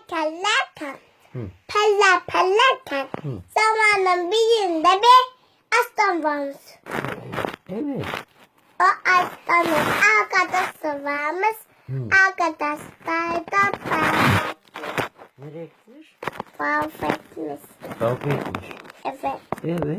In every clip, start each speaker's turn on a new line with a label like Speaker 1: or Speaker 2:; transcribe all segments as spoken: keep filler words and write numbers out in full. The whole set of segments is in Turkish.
Speaker 1: kellerken,
Speaker 2: Hı.
Speaker 1: peller pellerken,
Speaker 2: Hı.
Speaker 1: zamanın birinde bir aslan varmış.
Speaker 2: Evet.
Speaker 1: O aslanın arkadaşı varmış.
Speaker 2: Hı.
Speaker 1: Arkadaşlar da ben
Speaker 2: Nereye gitmiş?
Speaker 1: mahvetmiş.
Speaker 2: Kavga etmiş.
Speaker 1: Evet.
Speaker 2: Evet.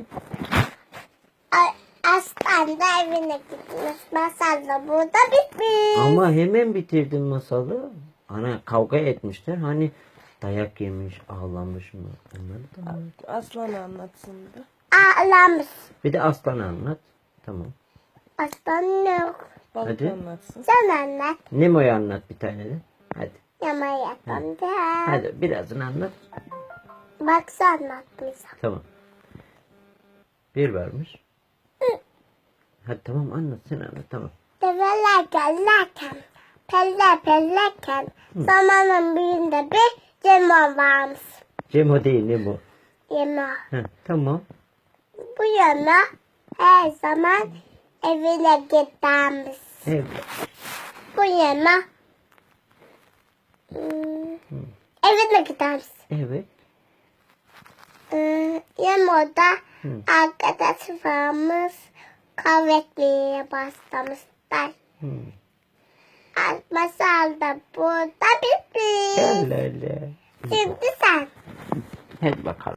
Speaker 1: A- Aslan da evine gitmiş. Masal da burada bitmiş.
Speaker 2: Ama hemen bitirdin masalı. Ana kavga etmişler. Hani dayak yemiş, ağlamış mı? Onları da anlat.
Speaker 3: Aslan anlatsın da.
Speaker 1: Ağlamış.
Speaker 2: Bir de aslan anlat. Tamam.
Speaker 1: Aslan yok.
Speaker 3: Balık
Speaker 2: Hadi.
Speaker 3: anlatsın.
Speaker 1: Sen anlat.
Speaker 2: Nemo'yu anlat bir tane de. Hadi.
Speaker 1: Yama yapan da.
Speaker 2: Hadi birazını anlat.
Speaker 1: Bak sen anlatmışsın.
Speaker 2: Tamam. Bir varmış. Hadi tamam anlat sen anlat tamam.
Speaker 1: Develer gelirken, peller pellerken, zamanın birinde bir cema varmış.
Speaker 2: Cemo değil Nemo.
Speaker 1: Yema.
Speaker 2: Heh, tamam.
Speaker 1: Bu yana her zaman evine gidermiş.
Speaker 2: Evet.
Speaker 1: Bu yana hmm, evine gidermiş.
Speaker 2: Evet.
Speaker 1: Hmm, Yemada
Speaker 2: Hı.
Speaker 1: arkadaş varmış. Kavga etmeye başlamışlar.
Speaker 2: Hmm.
Speaker 1: Masal da burada bitmiş.
Speaker 2: Gel hele.
Speaker 1: Şimdi sen.
Speaker 2: Hadi bakalım.